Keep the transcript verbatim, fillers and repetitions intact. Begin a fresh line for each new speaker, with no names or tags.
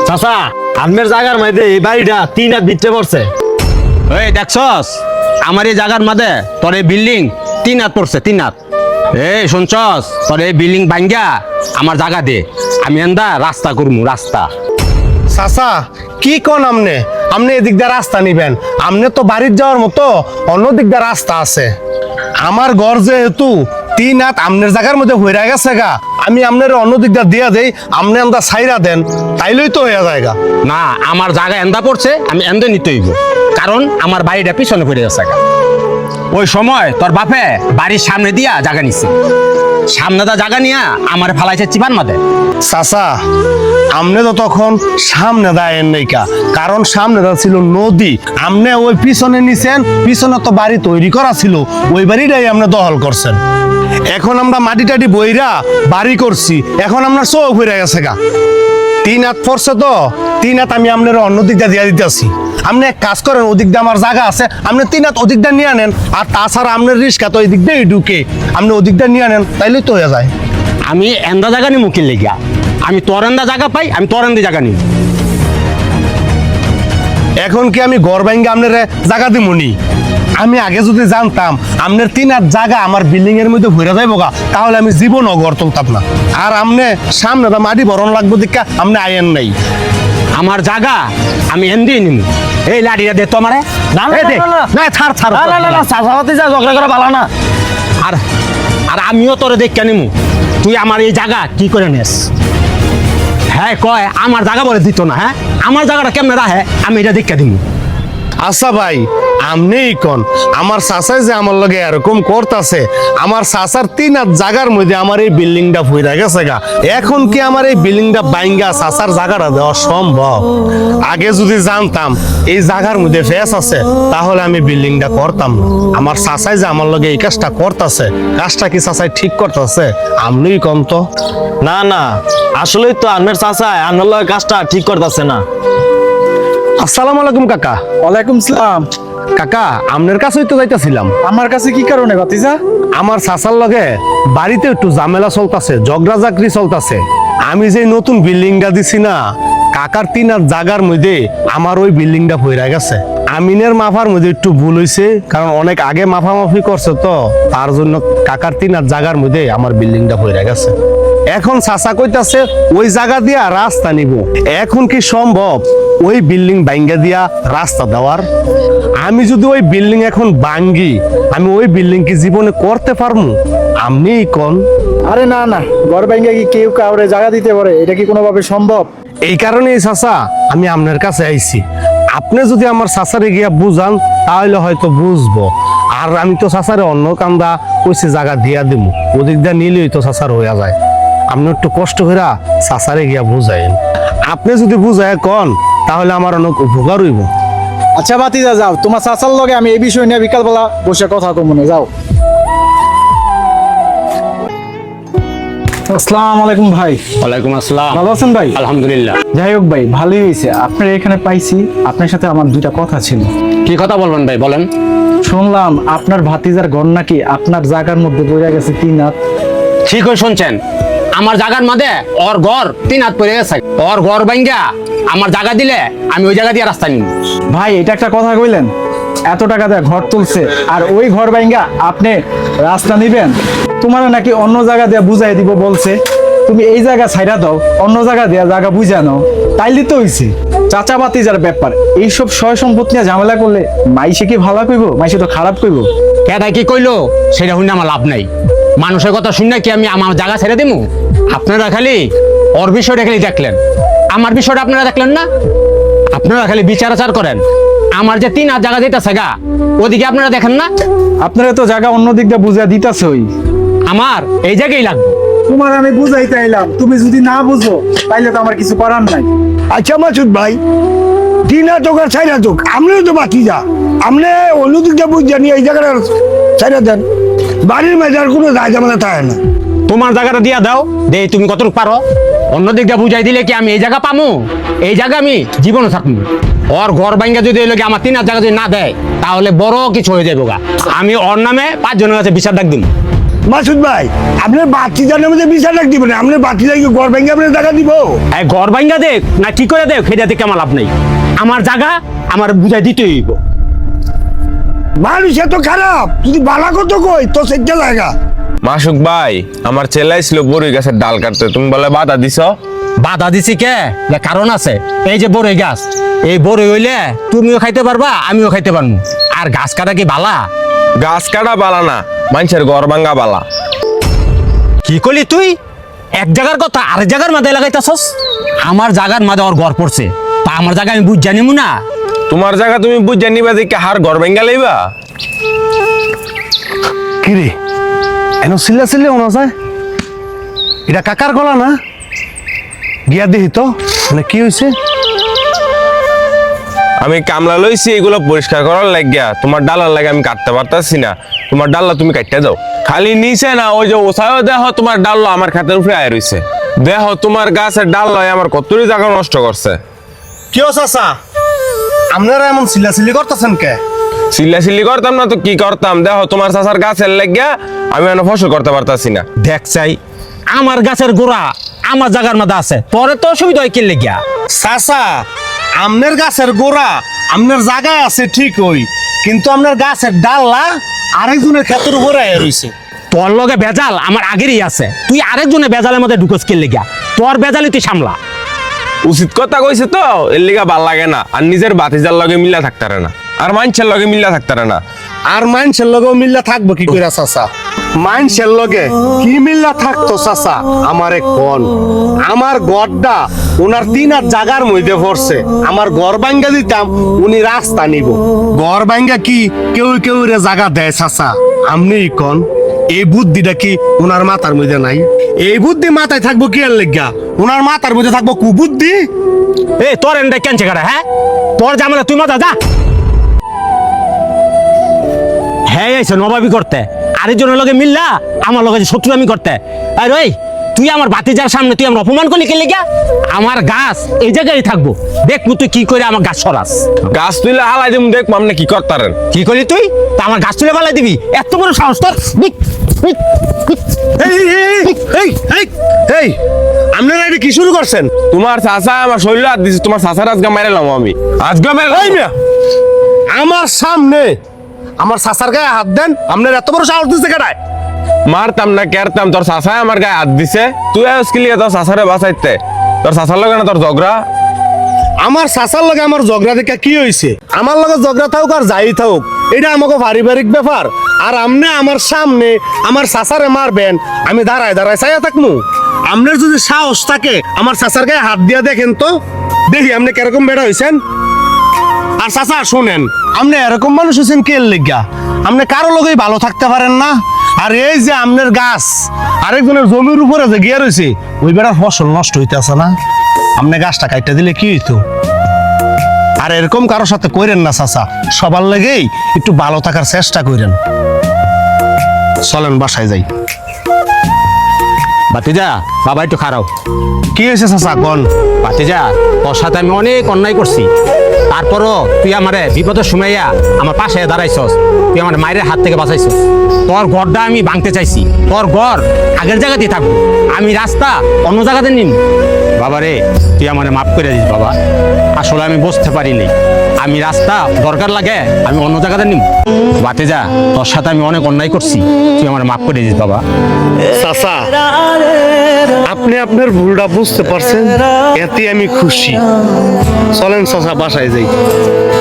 চাচা আপনার জায়গার মধ্যে এই বাড়িটা তিন হাত ভিতরে পড়ছে।
এই দেখছস আমার এই জায়গার মাঝে তোর এই বিল্ডিং তিন হাত পড়ছে তিন হাত। এই শুনছস তোর এই বিল্ডিং ভাঙ্গা আমার জায়গা দে, আমি এন্দা রাস্তা করবো রাস্তা।
চাচা কি কোন আমনে আমনে এদিক দিয়ে রাস্তা নিবেন? আমনে তো বাড়ির যাওয়ার মতো অন্য দিক দিয়ে রাস্তা আছে। আমার ঘর যেহেতু তিন হাত আমনের জায়গার মধ্যে হইরা গেছে গা, আমি আমনের অন্য দিক দিয়ে দিয়া দেই, আমনে আমদা সাইরা দেন, তাইলেই তো হইয়া যায় গা।
না, আমার জায়গা এন্দা পড়ছে, আমি এন্দা নিতে হইব, কারণ আমার বাড়িটা পিছনে পড়ে গেছে গা। ওই সময় তোর বাপে বাড়ির সামনে দিয়া জায়গা নিছে, সামনে দা জায়গা নিয়া আমার ফালাইছে চিপান মাদে।
চাচা আমনে তো তখন সামনে দায়ের নেইকা, কারণ সামনে দা ছিল নদী, আমনে ওই পিছনে নিছেন, পিছনে তো বাড়ি তৈরি করা ছিল, ওই বাড়িটাই আমনে দখল করছেন। এখন আমরা মাটি টাটি বইরা বাড়ি করছি, এখন আমরা চোখ হইরা গেছে গা। তিন হাত পড়ছে তো তিন হাত আমি আপনার অন্য দিকটা দিয়া দিতেছি। আপনি এক কাজ করেন, ওদিক দিয়ে আমার জায়গা আছে, আপনি তিন হাত ওদিকটা নিয়ে আনেন, আর তাছাড়া আপনার রিস্কা তো ওই দিক দিয়েই ঢুকে, আপনি ওদিকটা নিয়ে আনেন, তাইলেই তো হয়ে যায়।
আমি এন্দা জায়গা নি মুখিল লেগিয়া, আমি তোর এন্দা জায়গা পাই, আমি তোর এন্দা জায়গা নিই।
এখন কি আমি ঘর ভাঙ্গে আপনার জায়গা দিমুনি? আমি আগে যদি জানতাম আপনার তিন হাত জায়গা আমার বিল্ডিং এর মধ্যে ঘুরে যাইব গা, তাহলে আমি জীবনও ঘর তুলতাম না। আর আপনি সামনে তো মাটি ভরণ লাগবো দেখা আপনি আয়েন নাই।
আমার জায়গা আমি এন্দি নিমু। এই লাঠিটা দে তো আমারে।
না না
এই দে।
না, না,
না ছাড় ছাড়
না না না না, চাচাপাতি যা ঝগড়া করা ভালো না।
আর আর আমিও তোরে দেখে নিমু, তুই আমার এই জায়গা কি করে নেস। হ্যাঁ কয় আমার জায়গা বলে দিত না, হ্যাঁ আমার জায়গাটা কেমনে রাহে, আমি এটা দেখে দিমু।
আচ্ছা ভাই আমনেই কোন, আমার চাচাই যে আমার লগে এরকম করতেছে, আমার চাচার তিন হাত জায়গার মধ্যে আমার এই বিল্ডিংটা ফুইরা গেছে গা, এখন কি আমার এই বিল্ডিংটা বাইঙ্গা চাচার জায়গাটা দেওয়া সম্ভব? আগে যদি জানতাম এই জায়গার মধ্যে ফেস আছে, তাহলে আমি বিল্ডিংটা করতাম না। আমার চাচাই যে আমার লগে এই কাজটা করতেছে, কাজটা কি চাচাই ঠিক করতেছে? আমনেই কোন তো।
না না, আসলেই তো আপনার চাচা আপনার লগে কাজটা ঠিক করতেছে না।
আসসালামু আলাইকুম কাকা।
ওয়ালাইকুম সালাম।
কাকা আপনার কাছেই তো যাইতেছিলাম।
আমার কাছে কি কারণে ভাতিজা?
আমার চাচার লগে বাড়িতে একটু ঝামেলা চলতেছে, ঝগড়া চাকরি চলতেছে। আমি যে নতুন বিল্ডিংটা দিছি না, কাকার তিন হাত জায়গার মধ্যে আমার ওই বিল্ডিংটা পইরা গেছে। আমিনের মাফার মধ্যে একটু ভুল হয়েছে, কারণ অনেক আগে মাফামাফি করছে তো, তার জন্য কাকার তিন হাত জায়গার মধ্যে আমার বিল্ডিংটা পইরা গেছে। এখন চাচা কইতাছে ওই জায়গা দিয়া রাস্তা নিব। এখন কি সম্ভব ওই বিল্ডিং ভাঙ্গা দিয়া রাস্তা দেওয়ার? আমি যদি ওই বিল্ডিং এখন ভাঙ্গি, আমি ওই বিল্ডিং কি জীবনে করতে পারবো? আপনিই কোন।
আরে না না, ঘর ভাঙ্গা কি কেউ কাউরে জায়গা দিতে পারে? এটা কি কোনোভাবে সম্ভব?
এই কারণেই চাচা আমি আপনার কাছে আইছি। আপনি যদি আমার চাচারে গিয়া বুঝান, তাহলে হয়তো বুঝবো। আর আমি তো চাচারে অন্য কান্দা কইছে জায়গা দিয়া দিব, ওদিক দিয়া নিলেই তো চাচার হইয়া যায়। আপনি একটু কষ্ট করে চাচারে গিয়া বুঝাইন। আপনি যদি বুঝায় কন, তাহলে আমার অনেক উপকার হইব।
আচ্ছা ভাতিজা যাও, তোমার চাচার লগে আমি এই বিষয় নিয়ে বিকালবেলা বসে কথা কম মনে যাও। আসসালামু আলাইকুম ভাই।
ওয়ালাইকুম আসসালাম।
ভালো আছেন ভাই?
আলহামদুলিল্লাহ।
যাই হোক ভাই, ভালোই হয়েছে আপনার এখানে পাইছি। আপনার সাথে আমার দুইটা কথা ছিল।
কি কথা বলবেন ভাই, বলেন।
শুনলাম আপনার ভাতিজার ঘর নাকি আপনার জায়গার মধ্যে পড়ে গেছে তিন হাত।
ঠিক হয়ে শুনছেন, আমার জায়গার মাঝে ওর ঘর তিন হাত পড়ে গেছে। ওর ঘর ভাঙ্গা আমার জায়গা দিলে আমি ওই জায়গা দিয়ে রাস্তা নিব।
ভাই এটা একটা কথা কইলেন, এত টাকা দিয়ে ঘর তুলছে আর ওই ঘর ভাঙ্গা আপনি রাস্তা নিবেন? তোমার নাকি অন্য জায়গা দিয়ে বুঝাই দিব বলছে, তুমি এই জায়গা ছাইরা দাও, অন্য জায়গা দিয়ে জায়গা বুঝা নাও, তাইলে তো হইছে। চাচা বাতিজার ব্যাপার, এইসব সয় সম্পত্তি নিয়ে ঝামেলা করলে মাইসে কি ভালো কইব? মাইসে তো খারাপ কইব।
কেটা কি কইলো সেটা শুনে আমার লাভ নাই। মানুষের কথা শুনে কি আমি আমার জায়গা ছেড়ে দিব? আপনারা খালি ওর বিষয়টা খালি দেখলেন, আমার বিষয়টা আপনারা দেখলেন না। আপনারা খালি বিচার আচার করেন, আমার যে তিন হাত জায়গা দিতেছে গা, ওদিকে আপনারা দেখেন না।
আপনারা তো জায়গা অন্য দিক দিয়ে বুঝা দিতেছে, ওই
আমার এই জায়গায় লাগবে।
তোমার আমি বুঝাইতে আইলাম, তুমি যদি না বুঝো তাইলে তো আমার কিছু করার নাই।
আচ্ছা মাসুদ ভাই, তিন হাত হোক আর চার হাত হোক, আমরাও তো বাকি যা, আপনি অন্যদিকটা বুঝ জানি এই জায়গাটা চাইরা দেন, বাড়ির মেজার কোনো দায় জামেলা থাকে না।
তোমার জায়গাটা দিয়া দাও, দে তুমি কতটুকু পারো। অন্য দিকটা বুঝাই দিলে কি আমি এই জায়গা পামু? এই জায়গা আমি জীবনে থাকবো। ওর ঘর ভাঙ্গা যদি এলো আমার তিন হাত জায়গা যদি না দেয়, তাহলে বড় কিছু হয়ে যাবো গা। আমি ওর নামে পাঁচ জনের কাছে বিচার ডাক দিব।
মাসুদ ভাই আপনার বাতি জানার মধ্যে বিচার রাখ দিবেন আপনার বাতি জায়গা ঘর ভেঙে আপনার টাকা দিব
এই ঘর ভাঙ্গা দেখ না কি করে দেখ সেটা দেখে আমার লাভ নেই। আমার জায়গা আমার বুঝাই দিতে হইব।
মানুষ এত খারাপ যদি বালা কত কই তো সেটা জায়গা।
মাসুক ভাই আমার ছেলে ছিল বড়ই গাছের ডাল কাটতে, তুমি বলে বাধা দিছ।
বাধা দিছি কে? এর কারণ আছে। এই যে বড়ই গাছ, এই বড়ই হইলে তুমিও খাইতে পারবা আমিও খাইতে পারবো। আর গাছ কাটা কি বালা?
গাছ কাটা বালা না, মানুষের ঘর ভাঙ্গা বালা।
কি করলি তুই? এক জায়গার কথা আরেক জায়গার মাঝে লাগাইতাছস। আমার জায়গার মাঝে ওর ঘর পড়ছে, তা আমার জায়গা আমি বুঝ জানিমু না?
তোমার জায়গা তুমি বুঝে নিবা দেখে হার ঘর ভাঙ্গা লইবা।
কিরে এন সিল্লা সিল্লে ওনা যায়, এটা কাকার গলা না? গিয়া দেখি তো মানে কি হয়েছে।
আমি কামলা লইছি এগুলো পরিষ্কার করার লাগিয়া, তোমার ডালার লাগে আমি কাটতে পারতাছি না। তোমার ডাল্লা তুমি কাটতে দাও। খালি নিচে না, ওই যে ওসায়ও দেখো তোমার ডাল্লা আমার খাতের উপরে আয় রইছে। দেখো তোমার গাছের ডাল্লাই আমার কতই জায়গা নষ্ট করছে।
কি চাচা আপনারা এমন সিল্লা সিল্লি করতেছেন কে?
সিল্লা সিল্লি করতাম না তো কি করতাম? দেখো তোমার চাচার গাছের লাগিয়া আমি এনে ফসল করতে পারতাছি না।
দেখ চাই আমার গাছের গোড়া আমার জায়গার মধ্যে আছে, পরে তো অসুবিধা হয় কি লেগিয়া?
চাচা আমনের গাছের গোড়া আমনের জায়গায় আছে ঠিক ওই, কিন্তু আপনার গাছের ডাল্লা আরেকজনের ক্ষেতের উপরে আয়া রইছে।
তোর লগে বেজাল আমার আগেরই আছে, তুই আরেকজনের বেজালের মধ্যে ঢুকস কি লেগিয়া? তোর বেজালি তুই সামলা।
উচিত কথা কইছে তো, এর লিগা ভাল লাগে না। আর নিজের বাতিজার লগে মিল্লা থাকতারে না, আর মানুষের লগে মিল্লা থাকতারে না।
আর মানুষের লগেও মিল্লা থাকবো কি কইরা চাচা? মানুষের লগে কি মিল্লা থাকতো চাচা আমারে কোন? আমার গড়টা ওনার তিন আর জাগার মধ্যে পড়ছে, আমার ঘর ভাঙ্গা দিতাম উনি রাস্তা নিব। ঘর ভাঙ্গা কি কেউ কেউ রে জায়গা দেয় চাচা? আমনিই কোন এই বুদ্ধিটা কি ওনার মাথার মধ্যে নাই? এই বুদ্ধি মাথায় থাকবো কি আর লেগা? ওনার মাথার মধ্যে থাকবো কুবুদ্ধি।
এ তোর এনটা কেন চেকারা? হ্যাঁ তোর জামালা তুই মাথা যা। হ্যাঁ আইছে নবাবি করতে, আরেকজনের লগে মিললা আমার লগে শত্রু আমি করতে। আর ওই তুই আমার বাতিজার সামনে তুই আমার অপমান করলি কে লেগা? আমার গাছ এই জায়গায় থাকবো, দেখবো তুই কি করে আমার গাছ সরাস।
গাছ তুইলে হালাই দিম, দেখবো আপনি কি করতারেন।
কি করলি তুই? তা আমার গাছ তুলে পালাই দিবি? এত বড় সাহস তোর? বিক, বিক, বিক।
এই এই এই এই এই আপনারা এটা কি শুরু করছেন?
তোমার চাচা আমার শরীর হাত দিছে, তোমার চাচার আজকে মাইরালাম আমি। আজকে
এই মিয়া, আমার সামনে আমার চাচার গায়ে হাত দেন? আপনার এত বড় সাহস দিচ্ছে কেডায়?
মারতাম না কেরতাম, তোর চাচাই আমার গায়ে হাত দিছে। তুই আজকে লিয়ে তোর চাচারে বাঁচাইতে, তোর চাচার লগে না তোর ঝগড়া।
আমার চাচার লগে আমার ঝগড়া দেখা কি হয়েছে? আমার লগে ঝগড়া থাকুক আর যাই থাকুক, এটা আমাকে পারিবারিক ব্যাপার। আর আমনে আমার সামনে আমার চাচারে মারবেন, আমি দাঁড়ায় দাঁড়ায় চাইয়া থাকমু? আপনার যদি সাহস থাকে আমার চাচার গায়ে হাত দিয়া দেখেন তো, দেখি আপনি কিরকম বেড়া হয়েছেন। আর চাচা শুনেন, আপনি এরকম মানুষ হয়েছেন কে লেগা? আপনি কারো লগেই ভালো থাকতে পারেন না। আর এই যে আপনার গাছ আরেকজনের জমির উপরে যে গিয়ে রয়েছে, ওই বেড়ার ফসল নষ্ট হইতেছে না? আপনি গাছটা কাইটা দিলে কি হইতো? আর এরকম কারোর সাথে কইরেন না চাচা, সবার লেগেই একটু ভালো থাকার চেষ্টা করেন। চলেন বাসায় যাই।
বাতিজা বাবা একটু খারাপ।
কি হয়েছে চাচা কোন?
বাতিজা তোর সাথে আমি অনেক অন্যায় করছি, তারপরও তুই আমারে বিপদের সময়য়া আমার পাশে দাঁড়াইছস, তুই আমার মায়ের হাত থেকে বাঁচাইছস। তোর ঘরটা আমি ভাঙতে চাইছি, তোর ঘর আগের জায়গাতেই থাকবো, আমি রাস্তা অন্য জায়গাতে নিম। বাবা রে তুই আমারে মাফ করে দিস বাবা, আসলে আমি বুঝতে পারিনি, আমি রাস্তা দরকার লাগে আমি অন্য জায়গাতে নিম। বাতিজা তোর সাথে আমি অনেক অন্যায় করছি, তুই আমার মাফ করে দিস বাবা।
চাচা আপনি আপনার ভুলটা বুঝতে পারছেন, এতে আমি খুশি। চলেন চাচা বাসায় যাই।